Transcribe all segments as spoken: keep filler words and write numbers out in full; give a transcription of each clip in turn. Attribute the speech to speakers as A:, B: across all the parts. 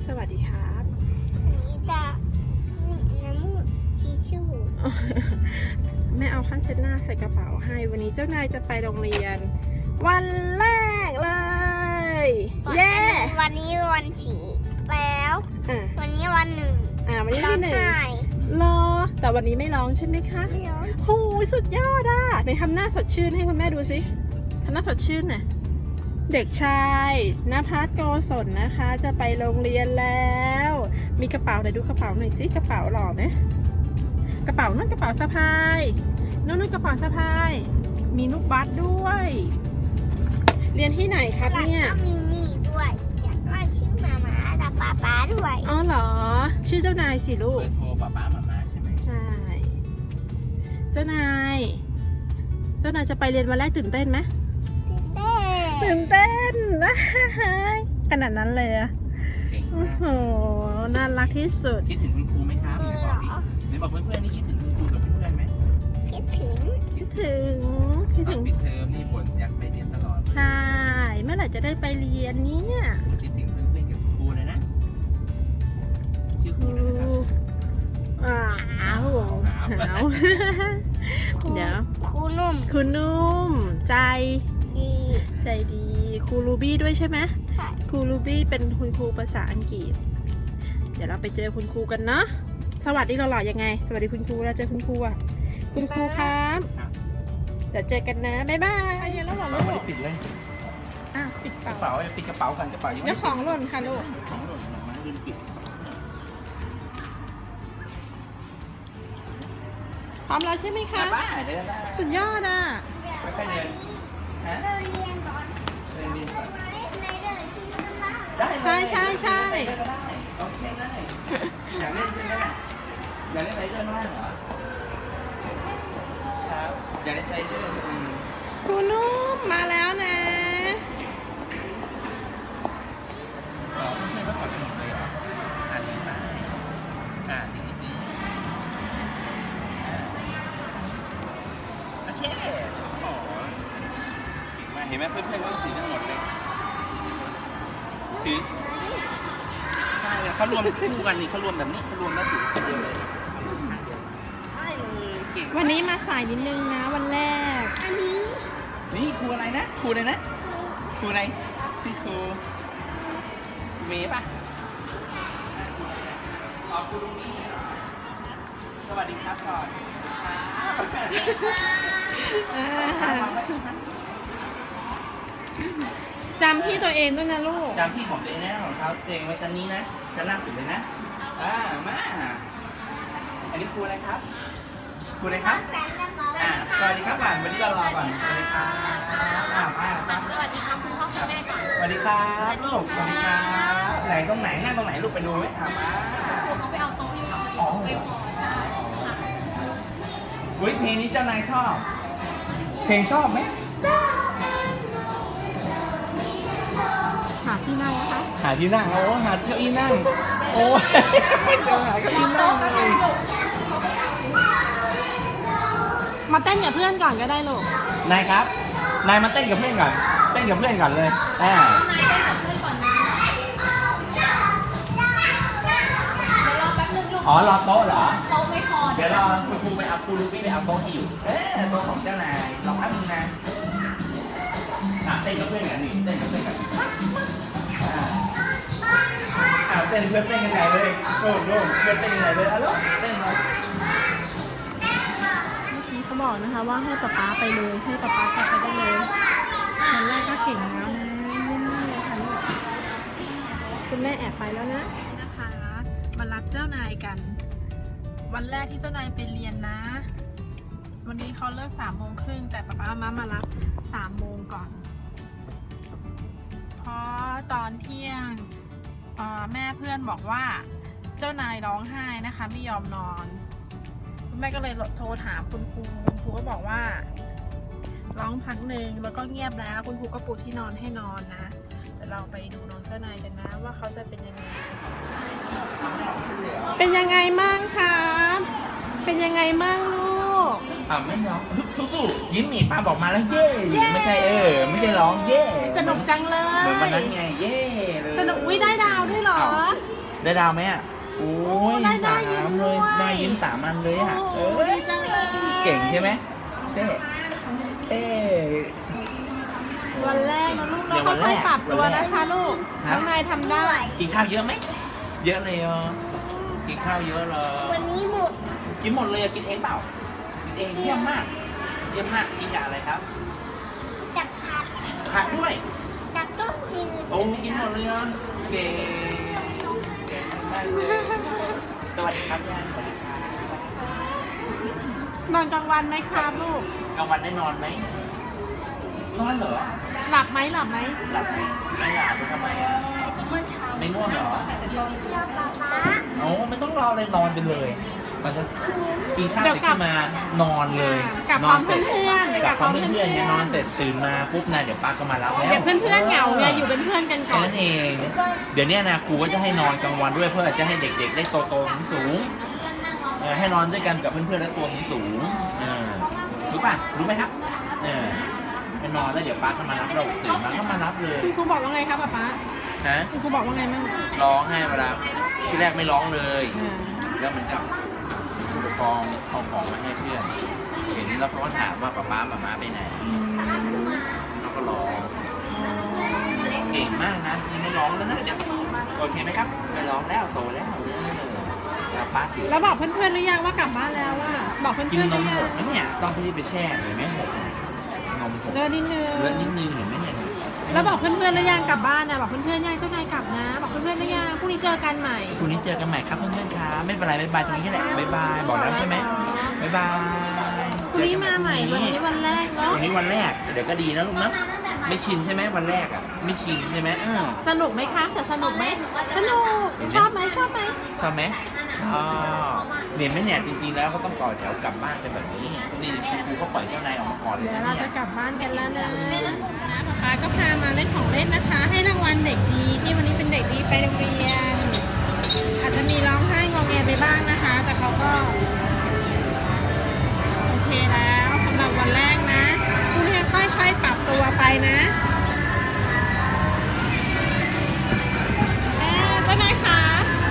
A: สวัสดีครับ
B: อันนี้จะน้ำมูกทิชชู่
A: แม่เอาผ้าเช็ดหน้าใส่กระเป๋าให้วันนี้เจ้านายจะไปโรงเรียน วันแรกเลยเย้
B: วันนี้วันฉี่แล้ว
A: อ่ะ
B: วันนี้วันหนึ่ง
A: อ่าวันนี้
B: ร้อ
A: ที่
B: ง
A: หนึ่ง
B: ไห้
A: รอแต่วันนี้ไม่ร้องใช่ไหมคะ
B: ไม่ร้อง
A: โอ้ยสุดยอดอ่ะไหนทำหน้าสดชื่นให้คุณแม่ดูสิทำหน้าสดชื่นหน่อยเด็กชายณภัสโกศลนะคะ จะไปโรงเรียนแล้ว มีกระเป๋าไหนดูกระเป๋าหน่อยสิกระเป๋าหล่อไหมกระเป๋านั่นกระเป๋าสะพายนั่นนั่นกระเป๋าสะพายมีลูกบัสด้วย เรียนที่ไหนครับเนี่ย
B: แล้วก็มีนี่ด้วยเขียนว่าชื่อมาม่ากับป๊าป๊าด้วย
A: อ๋อเหรอชื่อเจ้านายสิลู
C: เบ
A: ก
C: อร์โทรป้าป้ามาม่าใช่ไหม
A: ใช่ เจ้านาย เจ้านายจะไปเรียนวันแรกตื่นเต้นไหม
B: ตื่นเต้น
A: ตื่นเต้น ขนาดนั้นเลยอะ
C: เก่ง
A: โอ้
C: มาก
A: โห น่ารักที่สุด
C: คิดถึงคุณครูไหมครับ
B: เออ
C: บอก
B: เหร
C: ดิ
B: อ
C: ไหนบอกเพื่อนๆนี่คิดถึงคุณครูกับเพื่อนๆไหม
B: คิดถึง
A: คิดถึง คิด
C: ตอ
A: ถึ
C: น
A: ง
C: ปิดเทอมนี่บ่นอยากไปเรียนตลอด
A: ใช่ เมื่อไหร่จะได้ไปเรียนเนี่ย
C: คิดถึงเพื่อนๆกับครูเลยนะชื่อครูเลยนะครับ
A: อ้าวหาว
B: ครู
A: เดี๋ยว
B: ครูนุ่ม
A: คุณนุ่ม ใจ
B: ดี
A: ใจดี ครูรูบี้ด้วยใช่ไหม
B: ค่ะ
A: ครูรูบี้เป็นคุณครูภาษาอังกฤษ เดี๋ยวเราไปเจอคุณครูกันเนาะ สวัสดีเราหล่อยังไง สวัสดีคุณครูเราเจอคุณครูอ่ะ คุณครูครับ เดี๋ยวเจอกันนะ บ๊ายบายไปเรียนแล้วเหรอ
C: เรา
A: ลู
C: ไม่ได้
A: ก
C: ปิดเลย
A: อ่ะปิด
C: กระ
A: เป๋า
C: เป๋าปิดกระเป๋ากันกระเป๋ายังไม่
A: เจ้าของหล่นค่ะลูก
C: ของหล่นมาม่าลืมปิด
A: พร้อมแล้วใช่ไหมคะ
C: ป้าเดินได้
A: สุดยอดอ่ะ
C: ค่อยๆเดินฮะ
B: เราเรียนก่อน
C: เดินดินก่อน
B: มาเล่นในเดินที่มันบ้าง
C: ได้เลย
A: ใช่ใช่ใช่
C: ได้ก็ได้โอเคได้อยากเล่นใช่ไหมอยากเล่นไรเดอร์ข้างล่างเหรอครับอยากเล่นไรเดอร์อืม
A: ครูนุ่มมาแล้วนะ
C: อ๋อไม่ต้องถอดหมดเลยเหรออ่านดีมากอ่านดีดีโอเคโอ้มาเห็นไหมเพื่อนๆก็สีทั้งหมดเลยถือใช่เขารวมคู่กันนี่เขารวมแบบนี้เขารวมแล้วถือคนเดียวเลยใช่เลยเก่ง
A: วันนี้มาสายนิดนึงนะ วันแรก
B: อันนี้
C: นี่ครูอะไรนะครูอะไรนะครูอะไรชื่อครูเมย์ป่ะขอบคุณนี่สวัสดีครับก่อนครับ
A: จำพี่ตัวเองด้วยนะลูก
C: จำพี่ของตัวเองนะของเขาตัวเองไว้ชั้นนี้นะชั้นล่างสุดเลยนะอ่ามาอันนี้ครูอะไรครับครูอะไรครับ
B: แต่ละสอง
C: อ่าสวัสดีครับก่อนวันนี้เรารอก่อนสวัสดีครับอ่าป้าป้า
B: สวัสดีครับคุณพ่อคุณแม่ก่อน
C: สวัสดีครับลูกสวัสดีครับไหนตรงไหนนั่งตรงไหนลูกไปดูไหมอ่าป้า
B: เขาไปเอาโต๊ะที่เขา
C: อ๋อเฮ้ยเพลงนี้เจ้านายชอบ เพลงชอบไหม
A: หาที่นั่งนะคะ
C: หาที่นั่งโอ้หาเก้าอี้นั่งโอ้ยไม่เจอหาเก้าอี้นั่งเลย
A: มาเต้นกับเพื่อนก่อนก็ได้ลูก
C: นายครับ นายมาเต้นกับเพื่อนก่อน เต้นกับเพื่อนก่อนเลยอ่าอ๋อรอโต๊ะเหรอ
B: โต๊ะไม่พอ
C: เดี๋ยวรอคุณครูไปเอาครูรูบี้ไปเอาโต๊ะที่อยู่ เอ๊ะโต๊ะของเจ้านายรอแป๊บนึงนะอ่ะเต้นกับเพื่อนกันนี่เต้นกับเพื่อนกันอ่าอ่าเต้นเพื่อนเต้นกันไหนเลยโล่งโล่งเพื่อนเต้นกันไหนเลยอ่ะลูกเต้นเลย
A: เมื่อกี้เขาบอกนะคะว่าให้ป๊าป๊าไปเลย ให้ป๊าป๊ากลับไปได้เลยวันแรกก็เก่งแล้วนะเยี่ยมมากเลยค่ะลูกคุณแม่แอบไปแล้วนะนะคะ มารับเจ้านายกัน วันแรกที่เจ้านายไปเรียนนะ วันนี้เขาเลิกสามโมงครึ่งแต่ป๊าป๊ามามารับสามโมงก่อน เพราะตอนเที่ยงเอ่อแม่เพื่อนบอกว่าเจ้านายร้องไห้นะคะไม่ยอมนอน คุณแม่ก็เลยโทรถามคุณครูคุณครูก็บอกว่าร้องพักหนึ่งแล้วก็เงียบแล้วคุณครูก็ปูที่นอนให้นอนนะแต่เราไปดูน้องเจ้านายกันนะว่าเขาจะเป็นยังไงเป็นยังไงมั่งครับเป็นยังไงมั่งลูก
C: อ่าไม่ร้องสู้ๆยิ้มหนีป้าบอกมาแล้วเย่ไม่ใช่เออไม่ใช่ร้องเย่
A: สนุกจังเล
C: เหมือนวันนั้น
A: ย
C: ไงเย่เลย
A: สนุกวิได้ดาวด้วยเหรอ
C: อ้าวได้ดาวไหมอ่ะโอ้ย
A: ได้ได้
C: สาม
A: ยิ้ม
C: เล
A: ด้วย ย
C: ได้ยิ้มสามอันเลยอ่ะเอ
A: โอ้
C: อ
A: ดีจังเลย
C: เก่งใช่ไหมเต้เต้
A: วันแรกนะลูก
C: เดี๋
A: เรา
C: ยววันแร
A: ค่อย
C: ก
A: ๆปรับตัว
C: วันแรก
A: นะคะลูก
C: ครับ
A: น้องนายทำได้
C: กินข้าวเยอะไหมเยอะเลยอ่ะกินข้าวเยอะเลย
B: วันนี้หมด
C: กินหมดเลยอะกินเองเปล่ากินเองเยี่ยมมากเยี่ยมมากกินกับอะไรครับ
B: จากผัด
C: ผักด้วย
B: จากต้มจืด
C: โอ้กินหมดเลยอ่ะเก่งเก่งมากเลยสวัสดีครับย่าสวัสดีครับ
A: นอนกลางวันไหมครับลูก
C: กลางวันได้นอนไหมนอนเหรอ
A: หลับไหมหลับไหม
C: หลับไหมไม่หลับทำไมอ่ะ
B: เมื่อเช้า
C: ไม่ง่วงเหรอ
B: เรือป๊าป๊า
C: โอ้ไม่ต้องรอเลยนอนไปเลยตอนจะกินข้าวเสร็จขึ้นมานอนเลย
A: กลับพร้อมเพื่อนๆ
C: กลับพร้อมเพื่อนๆเนี่ยนอนเสร็จตื่นมาปุ๊บนะเดี๋ยวป้าก็มารับแล้ว
A: เดี๋ยวเพื่อนๆเหงาไงอยู่เป็นเพื่อนกันก่
C: แค่
A: อน
C: นั้นเอง เดี๋ยวเนี้ยนะครูก็จะให้นอนกลางวันด้วยเพื่อจะให้เด็กๆ ได้โตๆสูงๆเออให้นอนด้วยกันกับเพื่อนๆและตัวสูงๆเออรู้ป่ะรู้ไหมครับเออไปนอนแล้วเดี๋ยวป้าก็มารับเราตื่นมาก็มารับเลย
A: คุณครูบอกว่าไงครับป๊าป๊า
C: ฮะ
A: คุณครูบอกว่าไงมั่ง
C: ร้องให้เวลาที่แรกไม่ร้องเลย
A: อ่า
C: แล้วมันกับผู้ปกครองเอาของมาให้เพื่อน เห็นแล้วเขาก็ถามว่าป๊าป๊าหม่าม้าไปไหน
A: อืม
C: เขาก็ร้องเก่งมากนะยังไม่ร้องแล้วนะเดี๋ยวโอเคไหมครับไม่ร้องแล้วโตแล้วจะป้าถือ
A: แล้วบอกเพื่อนๆหรือยังว่ากลับบ้านแล้วว่าบอกเพื่อนๆ
C: กิน
A: ห
C: น
A: รื
C: ม
A: อยั
C: ห
A: ง
C: กนะเนี่ยต้องพี่ไปแช่เห็นไหมหกนมหก
A: เลิกนิดนึง
C: เลือดนิดนึงเห็นไหมเนี่ย
A: แล้วบอกเพื่อนๆหรือยังกลับบ้านนะบอกเพื่อนๆยังเจ้านายกลับนะ บอกเพื่อนๆหรือยังพรุ่งนี้เจอกันใหม่
C: พรุ่งนี้เจอกันใหม่ครับเพื่อนๆครับไม่เป็นไรบ๊ายบายตรงนี้แหละบ๊ายบายบอกแล้วใช่ไหมบ๊ายบาย
A: พรุ่งนี้มาใหม่วันนี้วันแรกเนาะ
C: วันนี้วันแรกเดี๋ยวก็ดีนะลูกนะไม่ชินใช่ไหมวันแรกอ่ะไม่ชินใช่ไหมเออ
A: สนุกไหมคะแต่สนุกไหมสนุกชอบไหมชอบไหม
C: ชอบไหมชอบเนี่ยไหมเนี่ยจริงๆแล้วเขาต้องต่อแถวกลับบ้านกันแบบนี้นี่ครูเขาปล่อยเจ้านายออกมาก่อนเลย
A: เดี๋ยว
C: นะ
A: เรา
C: เนี่
A: จะ
C: ย
A: กลับบ้านกันแล้วนะนะป๊าก็พามาเล่นของเล่นนะคะ ให้รางวัลเด็กดีที่วันนี้เป็นเด็กดีไปโรงเรียน อาจจะมีร้องไห้งอแงไปบ้างนะคะ แต่เขาก็โอเคแล้วสำหรับวันแรกนะพรุ่งนี้ค่อยๆปรับตัวไปนะเอ๊ะเจ้านายคะ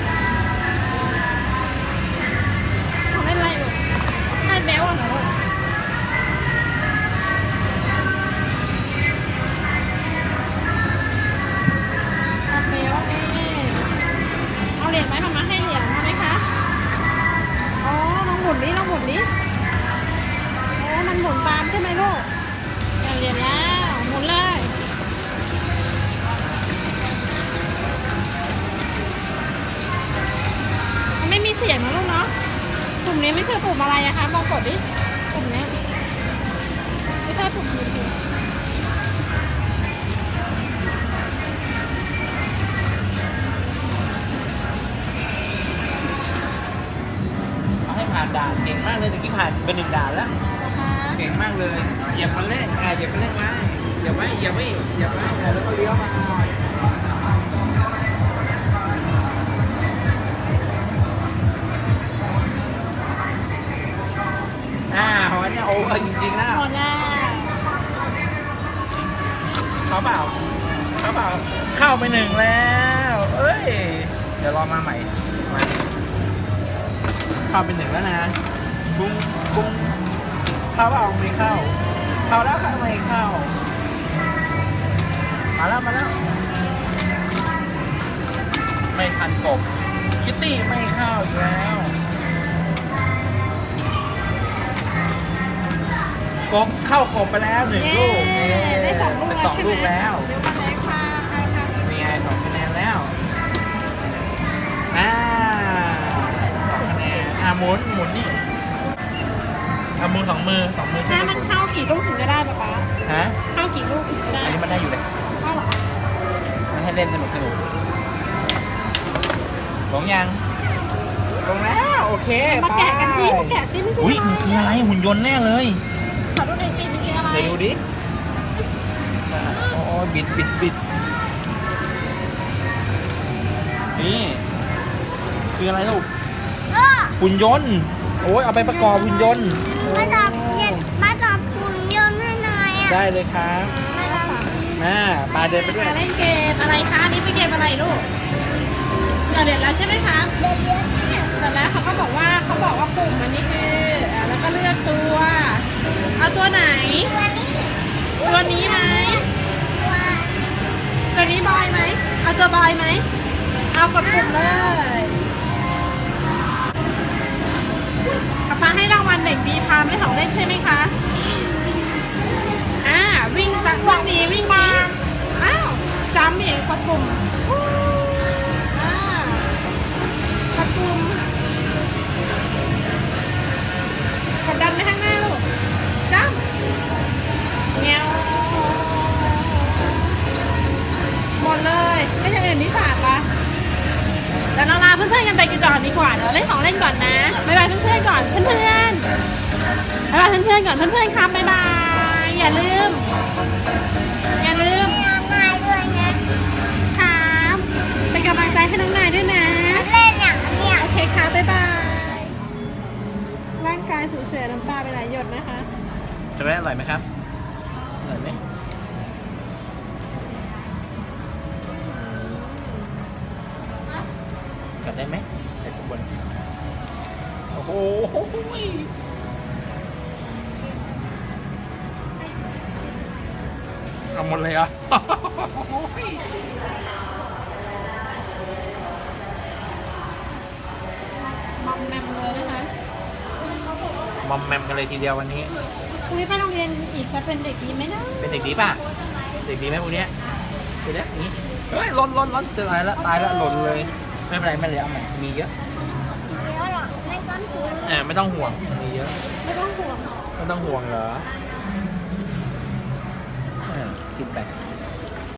A: ของเล่นอะไรลูกให้เบลเหรอลูกเอาเบลเอ๊ะเอาเหรียญไหมมามาให้เหรียญมาไหมคะอ๋อลองหมุนดิลองหมุนดิโอ้มันหมุนตามใช่ไหมลูกเอาเหรียญแล้วหมุนเลยมันไม่มีเสียงนะลูกเนาะปุ่มนี้ไม่คือปุ่มอะไรอะคะลองกดดิปุ่มนี้ไม่ใช่ปุ่มนี้
C: เอาให้ผ่านด่านเก่งมากเลยตะกี้ผ่านเป็นหนึ่งด่านแล้ว
A: นะคะ
C: เก่งมากเลยเหยียบคันเร่งอ่าเหยียบคันเร่งไว้เหยียบไว้เหยียบไว้เหยียบไว้แล้วก็เลี้ยวมาอ่าหอยเนี่ยโอ้เออจริงๆนะ
A: หมดแล้ว
C: เขาเปล่าเขาเปล่าเข้าไปหนึ่งแล้วเอ้ยเดี๋ยวรอมาใหม่มาเข้าไปหนึ่งแล้วนะปุ้งปุ้งเข้าเปล่าไม่เข้าเข้าแล้วเข้าไม่เข้ามาแล้วมาแล้วไม่ทันกบคิตตี้ไม่เข้าอีกแล้วกบเข้ากบไปแล้วหนึ่งลูก
A: เย้ได้สองลูก
C: เป็น
A: แล้ว
C: สอง
A: ใช่ไหม
C: ลูกแล้ว
A: เดี๋ยวมาเลยค่ะค่ะค่ะ
C: มีไงสองคะแนนแล้วอ่าสองคะแนนอ่าหมุนหมุนนี่อ่าหมุนสองมือสองมือช่วย
A: ถ้า
C: กั
A: มัน
C: นหมุน
A: เข้ากี่ลูกถึงจะได้ป๊าป๊า
C: ฮะ
A: เข้ากี่ลูกถึงจะได้
C: อันนี้มันได้อยู่เลย
A: เข้าเหรอ
C: มันให้เล่นสนุกสนุกลงยังลงแล้วโอเค
A: มาแกะกันสิ
C: ไป
A: มาแกะซิมันคือ
C: อุ้ย
A: อะไร
C: มันคืออะไรหุ่นยนต์แน่เลย
A: ขอดูหน่อยสิมันคืออะไร
C: เดี๋ยวดูดิอ่าโอ้ยบิดบิดบิดนี่คืออะไรลูก
B: เออ
C: หุ่นยนต์โอ้ยเอาไปประกอบหุ่นยนต์
B: มาจับเย็นมาจับหุ่นยนต์ให้หน่อยอ่ะ
C: ได้เลยครับ
B: มาจับ
C: อ่าปลาเดินไปด้วย
A: มาเล่นเกมอะไรคะอันนี้เป็นเกมอะไรลูกเดี๋ยวเด็ดแล้วใช่ไหมคะ
B: เด็ดเยอะมาก
A: แต่แล้วเขาก็บอกว่าเขาบอกว่าปุ่มอันนี้คืออ่ะแล้วก็เลือกตัว เอาตัวไหน
B: ตัวนี้
A: ตัวนี้ไหม
B: ตัว
A: ตัวนี้บอยไหม เอาตัวบอยไหม เอากดปุ่มเลยป๊าป๊าให้รางวัลเด็กดีพาไม่ของเล่นใช่ไหมคะ อ่าวิ่งตะวิ่งหนีวิ่งหนีอ้าวจำเองกดปุ่มอ่ากดปุ่มกดดันไปข้างหน้าลูกจ้ำเงี้ยวหมดเลยไม่อย่างอื่นนี่ฝากปะแต่น้องลาเพื่อนๆกันไปกันก่อนดีกว่าเดี๋ยวเล่นของเล่นก่อนนะบ๊ายบายเพื่อนๆก่อนเพื่อนๆบ๊ายบายเพื่อนๆก่อนเพื่อนๆครับบ๊ายบายอย่าลืมอย่าลืม
B: ง่ายด้วยนะครับ
A: เป็นกำลังใจให้น้องนายด้วยนะ
B: เล่นอย่างเนี้ย
A: โอเคค่ะ บ๊ายบาย ร่างกายสูญเสียน้ำตาไปหลายหยดนะคะ
C: จะได้อร่อยไหมครับอร่อยไหมกัดได้ไหมไอ้ข้างบนโอ้โหเอาหมดเลยเหรอ่ะ
A: มอมแมมเลยนะคะ
C: มอมแมมกันเลยทีเดียววันนี้
A: พรุ่งนี้ไปโรงเรียนอีกจะเป็นเด็กดีไหมนะ
C: เป็นเด็กดีป่ะ เด็กดีไหมพวกเนี้ยเดี๋ยวนี้อย่างนี้เฮ้ยหล่นหล่นหล่นจะตายละตายละหล่นเลย ไม่เป็นไรไม่เลยเอาใหม่มีเยอะ
B: เยอะหรอไม่ต้นถุง
C: อ่าไม่ต้องห่วง มีเยอะ
A: ไม่ต้องห่วง
C: ไม่ต้องห่วงเหรออ่ากินไป